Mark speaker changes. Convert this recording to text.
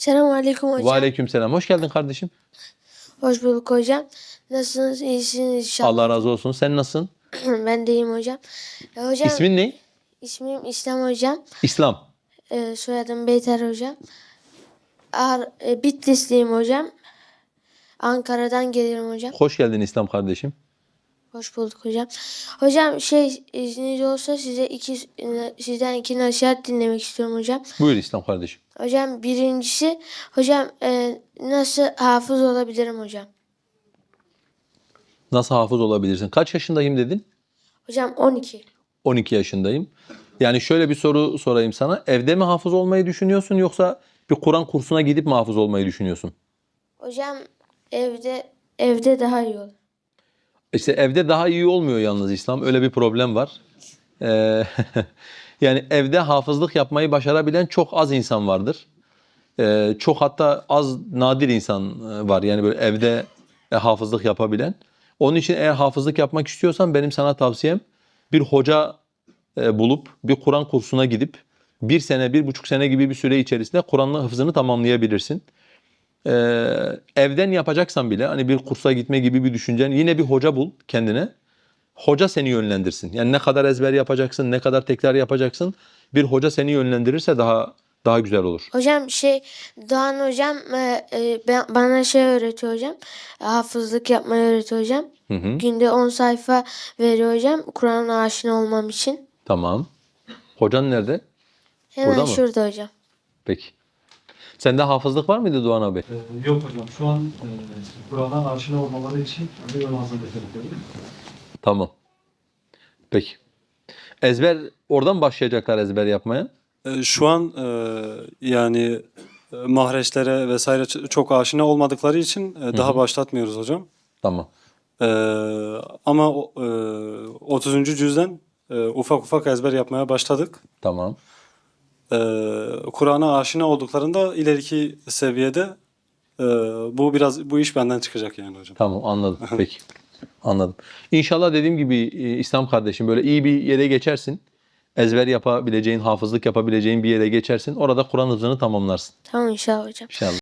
Speaker 1: Selamünaleyküm hocam.
Speaker 2: Aleykümselam. Hoş geldin kardeşim.
Speaker 1: Hoş bulduk hocam. Nasılsınız? İyisiniz inşallah.
Speaker 2: Allah razı olsun. Sen nasılsın?
Speaker 1: Ben de iyiyim hocam. Hocam
Speaker 2: İsmin ne?
Speaker 1: ismim İslam hocam.
Speaker 2: İslam.
Speaker 1: Soyadım Beyter hocam. Bitlisliyim hocam. Ankara'dan geliyorum hocam.
Speaker 2: Hoş geldin İslam kardeşim.
Speaker 1: Hoş bulduk hocam. Hocam izniniz olsa sizden iki nasihat dinlemek istiyorum hocam.
Speaker 2: Buyur İslam kardeşim.
Speaker 1: Hocam birincisi hocam nasıl hafız olabilirim hocam?
Speaker 2: Nasıl hafız olabilirsin? Kaç yaşındayım dedin?
Speaker 1: Hocam 12.
Speaker 2: 12 yaşındayım. Yani şöyle bir soru sorayım sana. Evde mi hafız olmayı düşünüyorsun yoksa bir Kur'an kursuna gidip mi hafız olmayı düşünüyorsun?
Speaker 1: Hocam evde daha iyi olur.
Speaker 2: İşte evde daha iyi olmuyor yalnız İslam. Öyle bir problem var. Ee, yani evde hafızlık yapmayı başarabilen çok az insan vardır. Çok hatta nadir insan var. Yani böyle evde hafızlık yapabilen. Onun için eğer hafızlık yapmak istiyorsan benim sana tavsiyem bir hoca bulup bir Kur'an kursuna gidip 1 sene, 1,5 sene gibi bir süre içerisinde Kur'an'ın hafızını tamamlayabilirsin. Evden yapacaksan bile hani bir kursa gitme gibi bir düşüncen yine bir hoca bul kendine. Hoca seni yönlendirsin. Yani ne kadar ezber yapacaksın, ne kadar tekrar yapacaksın bir hoca seni yönlendirirse daha güzel olur.
Speaker 1: Hocam Doğan hocam bana öğretiyor hocam. Hafızlık yapmayı öğretiyor hocam.
Speaker 2: Hı hı.
Speaker 1: Günde 10 sayfa veriyor hocam. Kur'an'a aşina olmam için.
Speaker 2: Tamam. Hocan nerede?
Speaker 1: Hemen
Speaker 2: Burada mı?
Speaker 1: şurada hocam.
Speaker 2: Peki. Sende hafızlık var mıydı Doğan abi?
Speaker 3: Yok hocam. Şu an Kur'an'a aşina olmaları için bir ön hazırlık yapıyorum.
Speaker 2: Tamam. Peki. Ezber, oradan başlayacaklar ezber yapmaya.
Speaker 3: Şu an yani mahreçlere vesaire çok aşina olmadıkları için daha başlatmıyoruz hocam.
Speaker 2: Tamam.
Speaker 3: Ama 30. cüzden ufak ufak ezber yapmaya başladık.
Speaker 2: Tamam.
Speaker 3: Kur'an'a aşina olduklarında ileriki seviyede bu iş benden çıkacak yani hocam.
Speaker 2: Tamam, anladım. Peki. Anladım. İnşallah dediğim gibi İslam kardeşim böyle iyi bir yere geçersin. Ezber yapabileceğin, hafızlık yapabileceğin bir yere geçersin. Orada Kur'an hıfzını tamamlarsın.
Speaker 1: Tamam inşallah hocam.
Speaker 2: İnşallah.